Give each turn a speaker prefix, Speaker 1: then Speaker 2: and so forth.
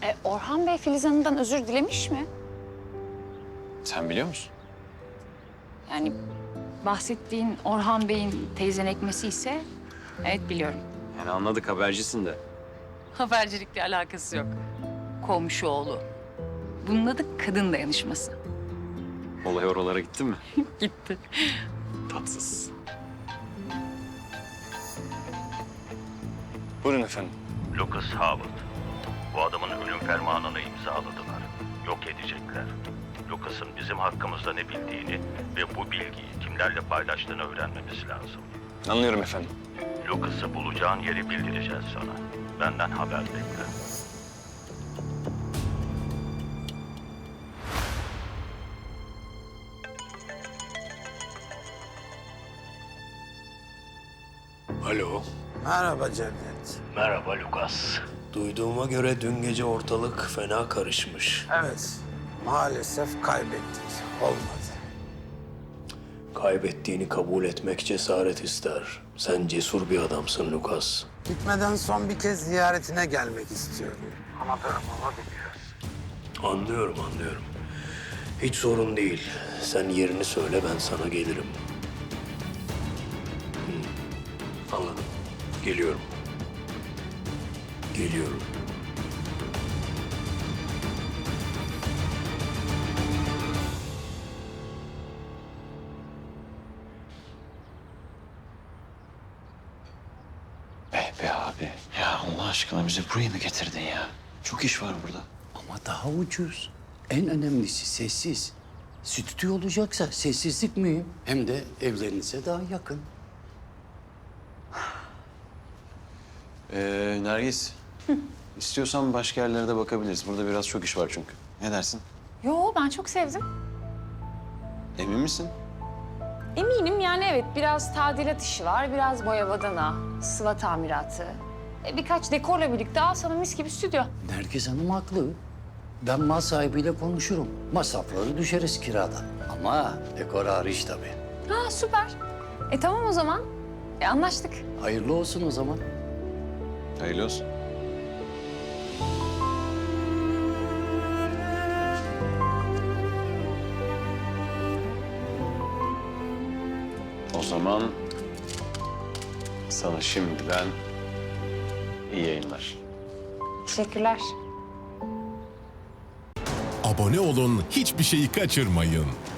Speaker 1: Orhan Bey Filiz Hanım'dan özür dilemiş mi?
Speaker 2: Sen biliyor musun?
Speaker 1: Yani bahsettiğin Orhan Bey'in teyzen ekmesi ise evet biliyorum.
Speaker 2: Yani anladık, habercisin de.
Speaker 1: Habercilikle alakası yok. Komşu oğlu. Bunun adı kadın dayanışması.
Speaker 2: Olay oralara gitti mi?
Speaker 1: Gitti.
Speaker 2: Tatsız. Buyurun efendim.
Speaker 3: Lucas Howard. Bu adamın ölüm fermanını imzaladılar. Yok edecekler. Lucas'ın bizim hakkımızda ne bildiğini ve bu bilgiyi kimlerle paylaştığını öğrenmemiz lazım.
Speaker 2: Anlıyorum efendim.
Speaker 3: Lucas'ı bulacağın yeri bildireceğiz sana. Benden haber bekle.
Speaker 4: Alo.
Speaker 5: Merhaba Cevdet.
Speaker 3: Merhaba Lucas.
Speaker 4: Duyduğuma göre dün gece ortalık fena karışmış.
Speaker 5: Evet, maalesef kaybettik. Olmadı.
Speaker 4: Kaybettiğini kabul etmek cesaret ister. Sen cesur bir adamsın Lucas.
Speaker 5: Gitmeden son bir kez ziyaretine gelmek istiyorum. Ama durumumu biliyorsun.
Speaker 4: Anlıyorum. Hiç sorun değil. Sen yerini söyle, ben sana gelirim. Anladım. Geliyorum.
Speaker 2: Be abi. Ya Allah aşkına bizi buraya mı getirdin ya? Çok iş var burada.
Speaker 6: Ama daha ucuz. En önemlisi sessiz. Stüdyo olacaksa sessizlik mühim. Hem de evlerinize daha yakın.
Speaker 2: Nergis. İstiyorsan başka yerlere de bakabiliriz. Burada biraz çok iş var çünkü. Ne dersin?
Speaker 1: Yo ben çok sevdim.
Speaker 2: Emin misin?
Speaker 1: Eminim yani evet biraz tadilat işi var, biraz boya badana, sıva tamiratı. Birkaç dekorla birlikte al sana mis gibi stüdyo.
Speaker 6: Nergiz Hanım haklı. Ben mal sahibiyle konuşurum. Masrafları düşeriz kiradan. Ama dekor hariç tabii.
Speaker 1: Ha süper. Tamam o zaman. Anlaştık.
Speaker 6: Hayırlı olsun o zaman.
Speaker 2: Hayırlı olsun. O zaman sana şimdiden iyi yayınlar.
Speaker 1: Teşekkürler.
Speaker 7: Abone olun, hiçbir şeyi kaçırmayın.